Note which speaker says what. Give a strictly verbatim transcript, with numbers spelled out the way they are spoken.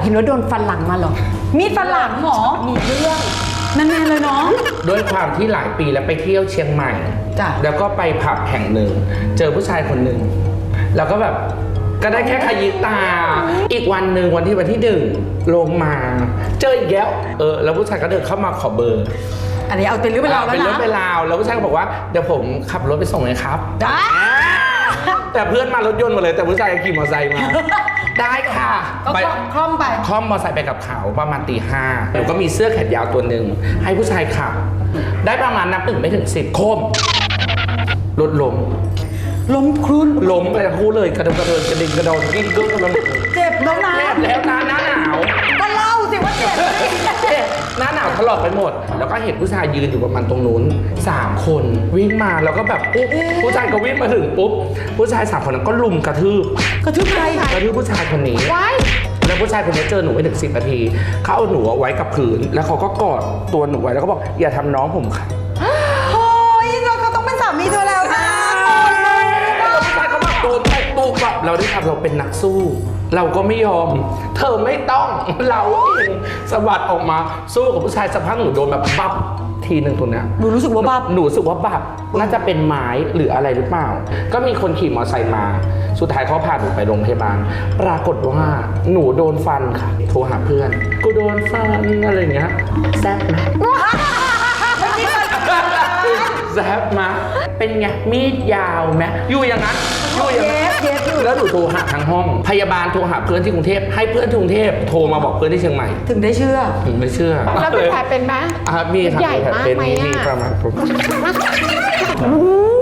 Speaker 1: เห็นว่าโดนฟันหลังมาเหรอมีดฟันหลังหมอมีเรื่องนั่นๆเลยเนาะ
Speaker 2: ด้วยความที่หลายปีแล้วไปเที่ยวเชียงใหม่
Speaker 1: จ้ะ
Speaker 2: แล้วก็ไปผับแห่งหนึ่งเจอผู้ชายคนหนึ่งแล้วก็แบบก็ได้แค่ขยิบตาอีกวันหนึ่งวันที่วันที่หนึ่งลงมาเจออีกแล้วเออแล้วผู้ชายก็เดินเข้ามาขอเบอร์
Speaker 1: อันนี้เอาเป็นเรื่องเป็นราวแล้วนะ
Speaker 2: เป็นเรื่องเป็นราวแล้วผู้ชายก็บอกว่าเดี๋ยวผมขับรถไปส่งเลยครับ
Speaker 1: ได้
Speaker 2: แต่เพื่อนมารถยนต์หมดเลยแต่ผู้ชายขี่มอเตอร์ไซค์มาได้ค่ะ
Speaker 1: ไปคล่อมไป
Speaker 2: คล่อมมอเตอร์ไซค์ไปกับเขาประมาณตีห้าหนูก็มีเสื้อแขนยาวตัวหนึ่งให้ผู้ชายขับได้ประมาณนับหนึ่งไม่ถึงสิบโคมรถล้ม
Speaker 1: ล้มครุน
Speaker 2: ล้มไปทั้งคู่เลยกระโดดกระเดินกระดิ่งกระโดดกิ้งกึ๊กกระโดด
Speaker 1: เจ็บแล้วนะ
Speaker 2: เจ็บแล้วนะหน้าหนาว
Speaker 1: ก็เล่าสิว่าเจ็บ
Speaker 2: หน้าหนาวถลอกไปหมดแล้วก็เห็นผู้ชายยืนอยู่ประมาณตรงนู้นสามคนวิ่งมาแล้วก็แบบปุ๊บผู้ชายก็วิ่งมาถึงปุ๊บผู้ชายสามคนนั้นก็ลุมกระทืบ
Speaker 1: กระทืบใคร
Speaker 2: กระทืบผู้ชายคนนี้แล้วผู้ชายคนนี้เจอหนูไม่ถึงสิบนาทีเขาเอาหนูไว้กับพื้นแล้วเขาก็กอดตัวหนูไว้แล้วก็บอกอย่าทำน้องผมค่ะ
Speaker 1: โอ้ยเราก็ต้องเป็นสามีเธอแล้วนะ
Speaker 2: แล้วผู้ชายเขาแบบโดนไปปุ๊บแบบเราได้ทำเราเป็นนักสู้เราก็ไม่ยอมเธอไม่ต้องเราเองสะบัดออกมาสู้กับผู้ชายสักพักหนูโดนแบบบับทีหนึ่งตัวเนี้ย
Speaker 1: หนูรู้สึกว่าบับ
Speaker 2: หนูรู้สึกว่าบับน่าจะเป็นไม้หรืออะไรหรือเปล่าก็มีคนขี่มอเตอร์ไซค์มาสุดท้ายเขาพาหนูไปโรงพยาบาลปรากฏว่าหนูโดนฟันค่ะโทรหาเพื่อนกูโดนฟันอะไรอย่างเงี้ยแซ่บไหมแซ่บมาเป็นไงมีดยาวไหมอยู่อย่างนั้นอยู่อย่างนั้นแล้วหนูโทรหาทางห้องพยาบาลโทรหาเพื่อนที่กรุงเทพให้เพื่อนที่กรุงเทพโทรมาบอกเพื่อนที่เชียงใหม่
Speaker 1: ถึงได้เชื่อ
Speaker 2: ถึงไม่เชื่อ
Speaker 3: แล้วเป็นแผลเป็นไหม
Speaker 2: มีค่ะ
Speaker 3: ใหญ่มากไหม
Speaker 2: มีประมาณ